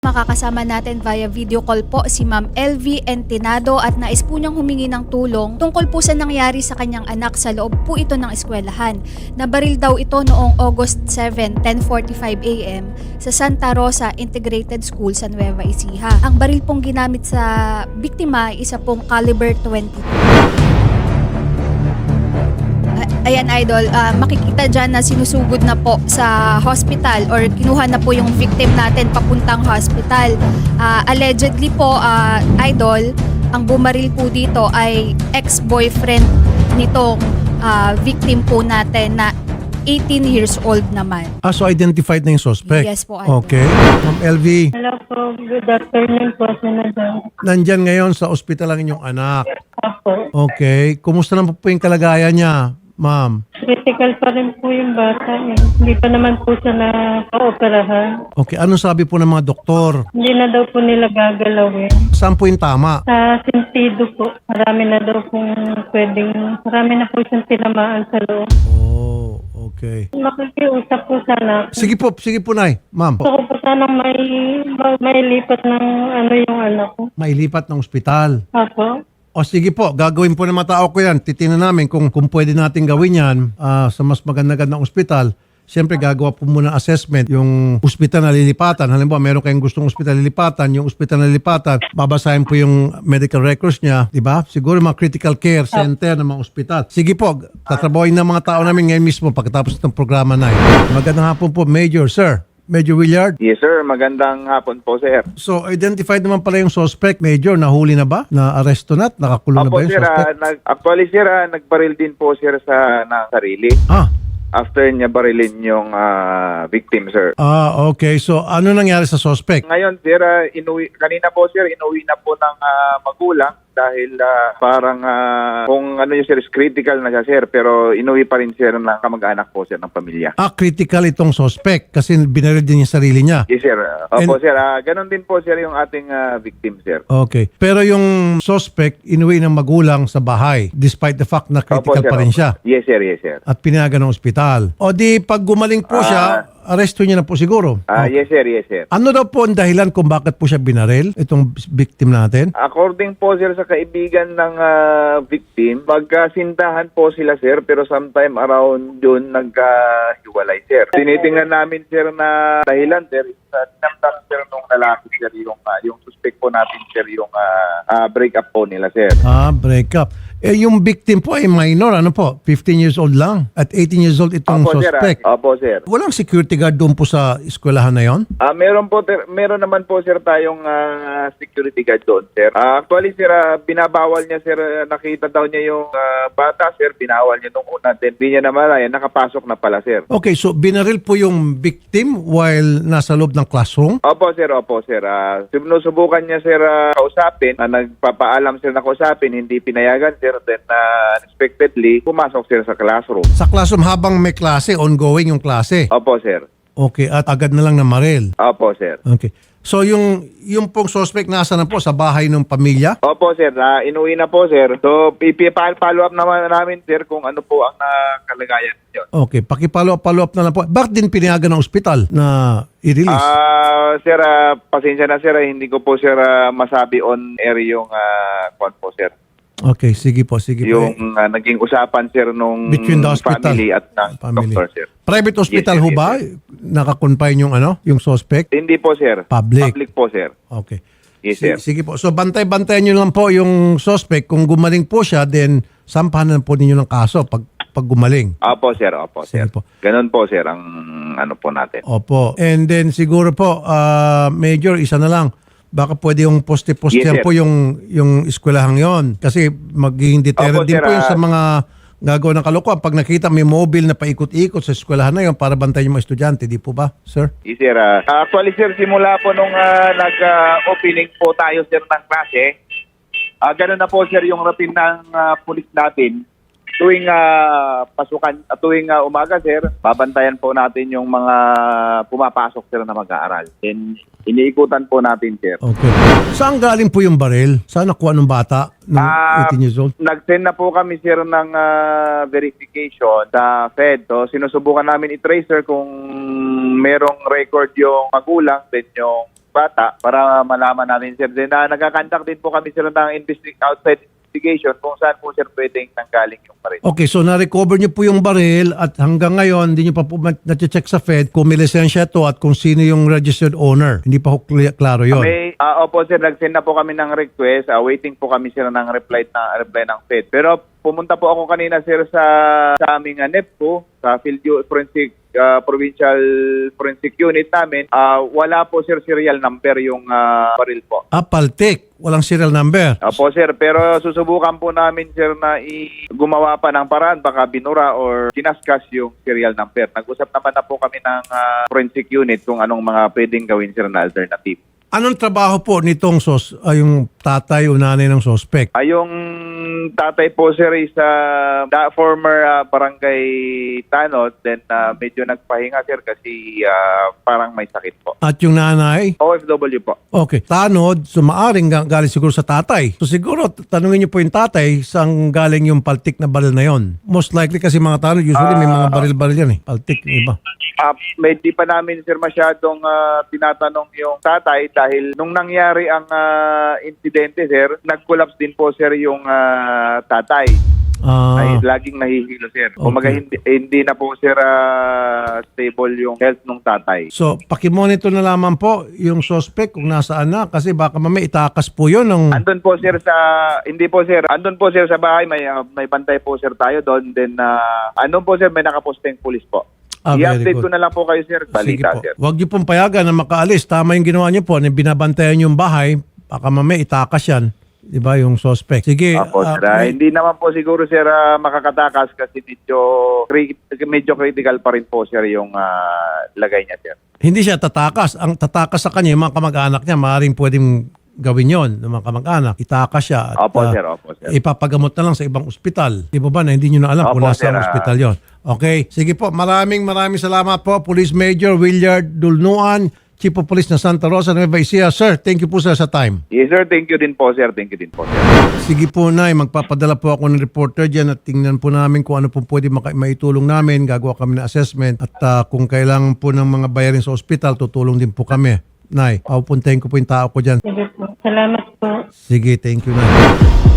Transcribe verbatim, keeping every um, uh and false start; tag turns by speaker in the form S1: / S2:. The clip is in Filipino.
S1: Makakasama natin via video call po si Ma'am L V Entinado at nais po niyang humingi ng tulong tungkol po sa nangyari sa kanyang anak sa loob po ito ng eskwelahan. Nabaril daw ito noong August seventh, ten forty-five a m sa Santa Rosa Integrated School sa Nueva Ecija. Ang baril pong ginamit sa biktima ay isa pong caliber twenty-two. Ayan idol, uh, makikita dyan na sinusugod na po sa hospital or kinuha na po yung victim natin papuntang hospital. Uh, allegedly po, uh, idol, ang bumaril po dito ay ex-boyfriend nitong uh, victim po natin na eighteen years old naman.
S2: Ah, so identified na yung suspect?
S1: Yes po, idol.
S2: Okay. Ma'am L V,
S3: Hello po, good afternoon po, Senator.
S2: nandyan ngayon sa ospital ang inyong anak.
S3: Ako,
S2: Okay. Kumusta naman po yung kalagayan niya, ma'am?
S3: critical pa rin po yung bata eh. Hindi pa naman po siya na-operahan.
S2: Okay. Anong sabi po ng mga doktor?
S3: Hindi na daw po nila gagalawin.
S2: Saan po yung tama?
S3: Sa sentido po, marami na daw pong pwedeng, marami na po siyang tinamaan sa loob.
S2: Oh, okay.
S3: Makikiusap po sana. ako.
S2: Sige po, sige po, Nay. Ma'am,
S3: Gusto ko po sanang may, may lipat ng ano yung anak ko.
S2: mailipat ng ospital.
S3: Ako.
S2: O sige po, gagawin po ng mga tao ko yan. Titingnan namin kung, kung pwede natin gawin yan ah, sa mas maganda-gandang ospital. Siyempre, gagawa po muna assessment yung ospital na lilipatan. Halimbawa, meron kayong gustong ospital lilipatan. Yung ospital na lilipatan, babasahin po yung medical records niya. Diba? Siguro mga critical care center ng mga ospital. Sige po, tatrabahin ng mga tao namin ngayon mismo pagkatapos ng programa na yun. Magandang hapon po, Major, sir. Major Willard.
S4: Yes sir, magandang hapon po sir.
S2: So, identified naman pala yung suspect. Major, nahuli na ba? Na-aresto na? Nakakulong na
S4: Opo
S2: ba yung
S4: sir, ah,
S2: suspect?
S4: nag, actually sir, ah, nagbaril din po sir sa ng sarili.
S2: Ah,
S4: After niya barilin yung ah, victim sir.
S2: ah, okay. So, ano nangyari sa suspect?
S4: Ngayon sir, ah, inuwi, kanina po sir, inuwi na po ng ah, magulang dahil ah, parang ah, kung ano yung sir, is critical na siya sir, pero inuwi pa rin sir ng kamag-anak po sir ng pamilya.
S2: Ah, critical itong suspect kasi binaril din yung sarili niya.
S4: Yes sir, opo
S2: And-
S4: sir, ah, ganun din po sir yung ating ah, victim sir.
S2: Okay. Pero yung suspect, inuwi ng magulang sa bahay despite the fact na
S4: Opo,
S2: critical
S4: sir,
S2: pa rin
S4: opo.
S2: siya
S4: Yes sir, yes sir.
S2: at pinayagan ng ospital. O di, pag gumaling po siya, aresto niya na po siguro.
S4: Ah,
S2: Okay.
S4: yes sir, yes sir.
S2: Ano daw po ang dahilan kung bakit po siya binaril, itong victim natin?
S4: According po sir sa kaibigan ng ah, victim, magkasintahan po sila sir pero sometime around June nagkahiwalay sir. Tinitingnan namin sir na dahilan sir, sa tinamdam sir nung lalaki sir yung, ah, yung suspect po natin sir yung ah, ah, break up po nila sir.
S2: Ah, break up. Eh, yung victim po ay minor, ano po? fifteen years old lang. At eighteen years old itong
S4: Opo sir,
S2: suspect.
S4: ah. Opo sir.
S2: Walang security guard doon po sa eskwelahan na yon?
S4: Ah, meron po ter- meron naman po sir tayong ah, security guard doon sir. Ah, actually sir, ah, binabawal niya sir, ah, nakita daw niya yung ah, bata sir, binawal niya nung una, then hindi niya naman ay nakapasok na pala sir.
S2: Okay, so binaril po yung victim while nasa loob ng classroom?
S4: Opo sir, opo sir. Uh, sinusubukan niya sir ah, kausapin, uh, nagpapaalam sir na kausapin, hindi pinayagan sir, then uh, unexpectedly pumasok sir sa classroom.
S2: Sa classroom habang may klase, ongoing yung klase.
S4: Opo sir.
S2: Okay, at agad na lang namaril.
S4: Opo sir.
S2: Okay. So yung yung pong suspect nasa na po sa bahay ng pamilya?
S4: Opo sir, uh, inuwi na po sir. So ipi-follow up naman namin sir kung ano po ang uh, kalagayan niyo.
S2: Okay, paki-follow up, follow up na lang po. Bakit din pinayagan ng ospital na i-release?
S4: Ah, sir, ah, pasensya na sir, ah, hindi ko po sir ah, masabi on air yung uh, kwan po sir.
S2: Okay, sige po, sige po.
S4: Yung ah, naging usapan sir nung
S2: Between the hospital.
S4: family at ng
S2: Family.
S4: doctor sir.
S2: Private hospital
S4: Yes,
S2: ho
S4: sir,
S2: ba?
S4: yes,
S2: Nakakonfine yung ano, yung suspect?
S4: Hindi po sir.
S2: Public.
S4: Public po sir.
S2: Okay.
S4: Yes
S2: Sige,
S4: sir.
S2: sige po. So bantay-bantayan nyo lang po yung suspect. Kung gumaling po siya, then sampahan na po ninyo ng kaso pag, pag gumaling.
S4: Opo sir, opo
S2: Sige
S4: sir.
S2: po.
S4: Ganun po sir ang ano po natin.
S2: Opo. And then siguro po, ah, Major, isa na lang. Baka pwede yung poste-postehan
S4: Yes, sir.
S2: po yung, yung eskwelahang yon. Kasi magiging deterrent
S4: Opo,
S2: din
S4: sir,
S2: po yun sa
S4: ah,
S2: mga gagawa ng kalokohan. Pag nakita may mobile na paikot-ikot sa eskwelahan na yon para bantayan yung mga estudyante. Di po ba, sir?
S4: Yes sir. ah. actually sir, simula po nung ah, nag-opening po tayo sir ng klase, ah ganun na po sir yung routine ng ah, pulis natin. Tuwing ah, pasukan, ah, tuwing ah, umaga sir, babantayan po natin yung mga pumapasok sir na mag-aaral. Then iniikutan po natin sir.
S2: Okay. Saan galing po yung baril? Saan nakuha ng bata? Nung
S4: Ah,
S2: eighteen years old?
S4: Nag-send na po kami sir ng ah, verification sa Fed. So sinusubukan namin i-trace sir kung merong record yung magulang, then yung bata para malaman natin, sir. Then, uh, nagkakandak din po kami, sir, ng investi- outside investigation kung saan po, sir, pwedeng nanggaling yung baril.
S2: Okay, so na-recover niyo po yung baril at hanggang ngayon, hindi niyo pa po na-check sa Fed kung may lisensya to at kung sino yung registered owner. Hindi pa po kli- klaro yon.
S4: May, uh, opo, sir, nag-send na po kami ng request. Uh, waiting po kami, sir, ng reply, na, reply ng Fed. Pero pumunta po ako kanina, sir, sa, sa aming uh, N E P po, sa Field U- Forensic uh, Provincial Forensic Unit namin. Uh, wala po, sir, serial number yung uh, baril po.
S2: Ah, paltik. Walang serial number.
S4: Opo, sir, pero susubukan po namin, sir, na i- gumawa pa ng paraan, baka binura or kinaskas yung serial number. Nag-usap naman na po kami ng uh, forensic unit kung anong mga pwedeng gawin, sir, na alternative.
S2: Anong trabaho po nitong sos, ay yung tatay o nanay ng suspect?
S4: Ay, yung tatay po, sir, is uh, da, former uh, barangay Tanod, then uh, medyo nagpahinga, sir, kasi uh, parang may sakit po.
S2: At yung nanay?
S4: O F W po.
S2: Okay. Tanod, so maaring ga- galing siguro sa tatay. So siguro, t- tanungin niyo po yung tatay saan galing yung paltik na baril na yon. Most likely kasi mga tanod, usually may mga baril-baril yan eh. Paltik, yung iba.
S4: Uh, may di pa namin, sir, masyadong uh, tinatanong yung tatay dahil nung nangyari ang uh, insidente, sir, nag-collapse din po, sir, yung uh, tatay.
S2: Ah,
S4: Ay laging nahihilo, sir. Kumaga
S2: Okay.
S4: hindi, hindi na po, sir, uh, stable yung health ng tatay.
S2: so, pakimonitor na lamang po yung suspect kung nasaan na kasi baka mamaya itakas po yun ng...
S4: Andun po, sir, sa hindi po, sir. Andun po, sir, sa bahay, may uh, may bantay po, sir, tayo doon. Then uh, andun po, sir, may nakaposteng pulis po.
S2: Ah, very
S4: I-update
S2: good.
S4: ko na lang po kayo, sir.
S2: Sige
S4: Balita,
S2: po.
S4: sir.
S2: Huwag niyo pong payagan na makaalis. Tama yung ginawa niyo po. Na binabantayan yung bahay. Baka mamaya itakas yan. Di ba yung suspect? Sige.
S4: Opo,
S2: ah,
S4: sir. Ah,
S2: may-
S4: hindi naman po siguro, sir, ah, makakatakas kasi medyo cri- medyo critical pa rin po, sir, yung ah, lagay niya, sir.
S2: hindi siya tatakas. Ang tatakas sa kanya, yung mga kamag-anak niya, maaaring pwedeng gawin yon ng mga kamag-anak. Itakas siya. At,
S4: Opo,
S2: ah,
S4: sir. Opo, sir.
S2: ipapagamot na lang sa ibang ospital. Di ba ba na hindi nyo na alam kung
S4: Opo,
S2: nasa
S4: sir, ah.
S2: ospital yon. Okay. Sige po. Maraming maraming salamat po. Police Major Willard Dulnuan, Chief of Police na Santa Rosa, Nueva Ecija. Sir, thank you po sir sa time.
S4: Yes, sir. Thank you din po, sir. Thank you din po, sir.
S2: Sige po, Nay. Magpapadala po ako ng reporter dyan at tingnan po namin kung ano po pwede maka- maitulong namin. Gagawa kami ng assessment at ah, kung kailangan po ng mga bayarin sa ospital, tutulong din po kami. Nay, papupuntahin ko po yung tao ko dyan.
S3: Sige po. Salamat po.
S2: Sige, thank you, Nay.